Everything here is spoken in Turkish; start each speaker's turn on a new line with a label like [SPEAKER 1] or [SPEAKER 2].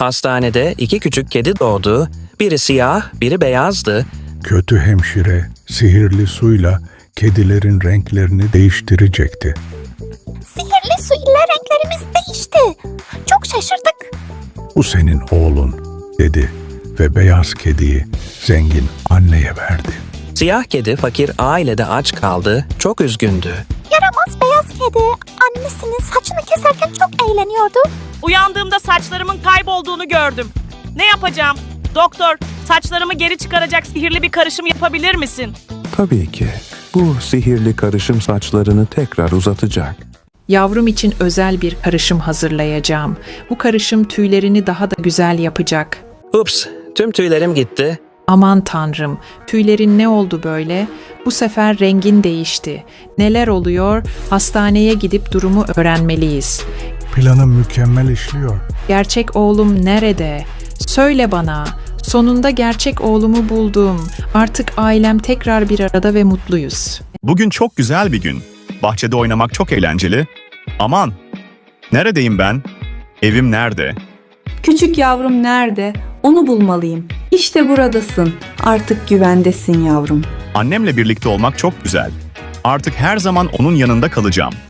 [SPEAKER 1] Hastanede iki küçük kedi doğdu. Biri siyah, biri beyazdı.
[SPEAKER 2] Kötü hemşire sihirli suyla kedilerin renklerini değiştirecekti.
[SPEAKER 3] Sihirli su ile renklerimiz değişti. Çok şaşırdık.
[SPEAKER 2] Bu senin oğlun dedi ve beyaz kediyi zengin anneye verdi.
[SPEAKER 1] Siyah kedi fakir ailede aç kaldı. Çok üzgündü.
[SPEAKER 3] Yaramaz beyaz kedi annesinin saçını keserken çok eğleniyordu.
[SPEAKER 4] Uyandığımda saçlarımın kaybolduğunu gördüm. Ne yapacağım? Doktor, saçlarımı geri çıkaracak sihirli bir karışım yapabilir misin?
[SPEAKER 5] Tabii ki. Bu sihirli karışım saçlarını tekrar uzatacak.
[SPEAKER 6] Yavrum için özel bir karışım hazırlayacağım. Bu karışım tüylerini daha da güzel yapacak.
[SPEAKER 1] Ups, tüm tüylerim gitti.
[SPEAKER 6] Aman tanrım, tüylerin ne oldu böyle? Bu sefer rengin değişti. Neler oluyor? Hastaneye gidip durumu öğrenmeliyiz.
[SPEAKER 2] Planım mükemmel işliyor.
[SPEAKER 6] Gerçek oğlum nerede? Söyle bana. Sonunda gerçek oğlumu buldum. Artık ailem tekrar bir arada ve mutluyuz.
[SPEAKER 7] Bugün çok güzel bir gün. Bahçede oynamak çok eğlenceli. Aman! Neredeyim ben? Evim nerede?
[SPEAKER 8] Küçük yavrum nerede? Onu bulmalıyım. İşte buradasın. Artık güvendesin yavrum.
[SPEAKER 7] Annemle birlikte olmak çok güzel. Artık her zaman onun yanında kalacağım.